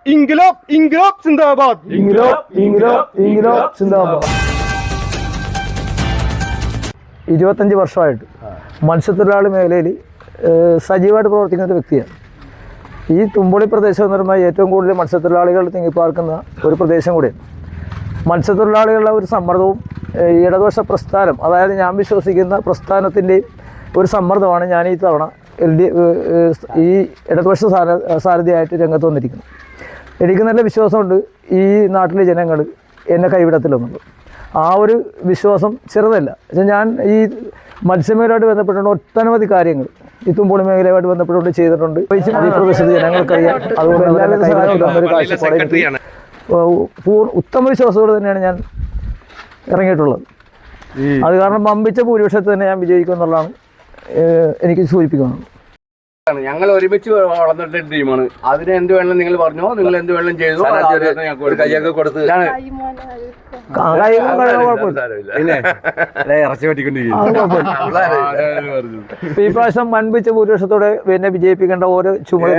İnkılap, inkılap zindabad. İnkılap, inkılap, inkılap സിന്ദാബാദ്. 25 വർഷമായിട്ട് മത്സ്യത്തൊഴിലാളി മേഖലയിൽ സജീവമായിട്ട് പ്രവർത്തിക്കുന്ന ഒരു വ്യക്തിയാണ്. ഈ തുമ്പളി പ്രദേശം എന്ന് പറയുമ്പോൾ ഏറ്റവും കൂടുതൽ മത്സ്യത്തൊഴിലാളികൾ തിങ്ങിപ്പാർക്കുന്ന ഒരു പ്രദേശം കൂടിയാണ്. മത്സ്യത്തൊഴിലാളികളുടെ ഒരു സമ്മർദ്ദവും ഇടതുപക്ഷ പ്രസ്ഥാനം, അതായത് ഞാൻ വിശ്വസിക്കുന്ന പ്രസ്ഥാനത്തിൻ്റെയും ഒരു സമ്മർദ്ദമാണ് ഞാൻ ഈ തവണ ഈ ഇടതുപക്ഷ സാരഥിയായിട്ട് രംഗത്ത് വന്നിരിക്കുന്നത്. എനിക്ക് നല്ല വിശ്വാസമുണ്ട് ഈ നാട്ടിലെ ജനങ്ങൾ എന്നെ കൈവിടത്തില്ലെന്നുള്ളത്. ആ ഒരു വിശ്വാസം ചെറുതല്ല. ഞാൻ ഈ മത്സ്യമേഖലയുമായിട്ട് ബന്ധപ്പെട്ടുകൊണ്ട് ഒട്ടനവധി കാര്യങ്ങൾ ഈ തുമ്പോളി മേഖലയുമായിട്ട് ബന്ധപ്പെട്ടുകൊണ്ട് ചെയ്തിട്ടുണ്ട്. ഈ പ്രദേശത്ത് ജനങ്ങൾക്കറിയാം. അതുകൊണ്ട് എല്ലാവരും സഹായത്തിലൊന്നൊരു കാഴ്ചപ്പാട് ഉത്തമ വിശ്വാസത്തോടെ തന്നെയാണ് ഞാൻ ഇറങ്ങിയിട്ടുള്ളത്. അത് കാരണം വമ്പിച്ച ഭൂരിപക്ഷത്തിൽ തന്നെ ഞാൻ വിജയിക്കും എന്നുള്ളതാണ് എനിക്ക് സൂചിപ്പിക്കുന്നത്. ഞങ്ങൾ ഒരുമിച്ച് വളർന്നിട്ട് ടീമാണ്. അതിന് എന്ത് വേണം നിങ്ങൾ പറഞ്ഞോ, നിങ്ങൾ എന്ത് വേണം ചെയ്തു, കൈയൊക്കെ കൊടുത്ത് ഈ പ്രാവശ്യം വൻപിച്ച ഭൂരിപക്ഷത്തോടെ എന്നെ വിജയിപ്പിക്കേണ്ട ഓരോ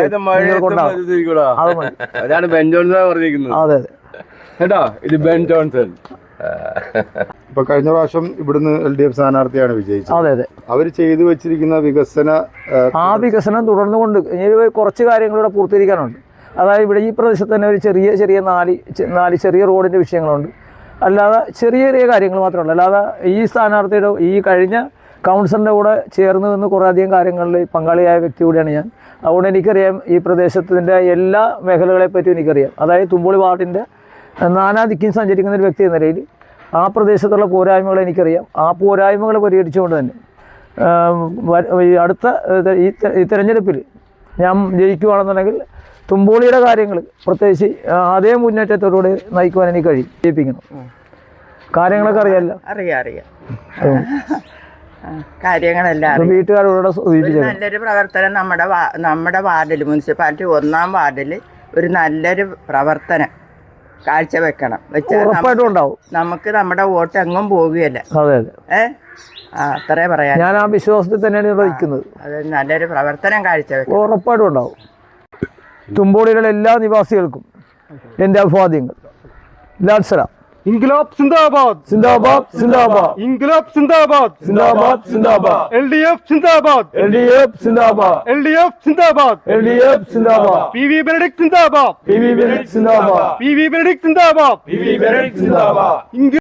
അതാണ് ബെൻ ജോൺസൺ പറഞ്ഞിരിക്കുന്നത്. അതെ അതെ കേട്ടോ, ഇത് ബെൻ ജോൺസൺ. ഇപ്പൊ കഴിഞ്ഞ പ്രാവശ്യം ഇവിടുന്ന് LDF സ്ഥാനാർത്ഥിയാണ് വിജയിച്ചത്. അതെ അതെ. അവർ ചെയ്തു വെച്ചിരിക്കുന്ന വികസനം തുടർന്നുകൊണ്ട് ഇനി കുറച്ച് കാര്യങ്ങളിവിടെ പൂർത്തീകരിക്കാനുണ്ട്. അതായത് ഇവിടെ ഈ പ്രദേശത്ത് തന്നെ ഒരു ചെറിയ നാല് ചെറിയ റോഡിൻ്റെ വിഷയങ്ങളുണ്ട്. അല്ലാതെ ചെറിയ കാര്യങ്ങൾ മാത്രമല്ല. അല്ലാതെ ഈ സ്ഥാനാർത്ഥിയുടെ ഈ കഴിഞ്ഞ കൗൺസിലറിൻ്റെ കൂടെ ചേർന്ന് നിന്ന് കുറേയധികം കാര്യങ്ങളിൽ പങ്കാളിയായ വ്യക്തി കൂടിയാണ് ഞാൻ. അതുകൊണ്ട് എനിക്കറിയാം ഈ പ്രദേശത്തിൻ്റെ എല്ലാ മേഖലകളെപ്പറ്റിയും എനിക്കറിയാം. അതായത് തുമ്പോളി വാർഡിൻ്റെ നാനാദിക്കും സഞ്ചരിക്കുന്ന ഒരു വ്യക്തി എന്ന നിലയിൽ ആ പ്രദേശത്തുള്ള പോരായ്മകൾ എനിക്കറിയാം. ആ പോരായ്മകൾ പരിഹരിച്ചുകൊണ്ട് തന്നെ അടുത്ത ഈ തെരഞ്ഞെടുപ്പിൽ ഞാൻ ജയിക്കുകയാണെന്നുണ്ടെങ്കിൽ തുമ്പോളിയുടെ കാര്യങ്ങൾ പ്രത്യേകിച്ച് അതേ മുന്നേറ്റത്തോടുകൂടി നയിക്കുവാൻ എനിക്ക് കഴിയും. ജയിപ്പിക്കണം. കാര്യങ്ങളൊക്കെ അറിയാമല്ലോ. അറിയാം കാര്യങ്ങളെല്ലാം. വീട്ടുകാരോട് നല്ലൊരു പ്രവർത്തനം നമ്മുടെ വാർഡിൽ, മുനിസിപ്പാലിറ്റി 1-ാം വാർഡിൽ ഒരു നല്ലൊരു പ്രവർത്തനം കാഴ്ചവെക്കണം. ഉറപ്പായിട്ടും ഉണ്ടാവും. നമുക്ക് നമ്മുടെ വോട്ട് എങ്ങും പോകുകയല്ല. അതെ അതെ. അത്രേ പറയാം. ഞാൻ ആ വിശ്വാസത്തിൽ തന്നെയാണ് നിർവഹിക്കുന്നത്. അത് നല്ലൊരു പ്രവർത്തനം കാഴ്ചവെക്കണം. ഉറപ്പായിട്ടും ഉണ്ടാവും. തുമ്പോളിയിലുള്ള എല്ലാ നിവാസികൾക്കും എൻ്റെ അഭിവാദ്യങ്ങൾ. ലാൽസല. İnkılap zindabad. സിന്ദാബാദ് സിന്ദാബാദ്. İnkılap zindabad. സിന്ദാബാദ് സിന്ദാബാദ്. LDF zindabad. LDF സിന്ദാബാദ്. LDF zindabad. LDF സിന്ദാബാദ്. PV Benedict zindabad. PV Benedict സിന്ദാബാദ്. PV Benedict zindabad. PV Benedict സിന്ദാബാദ്.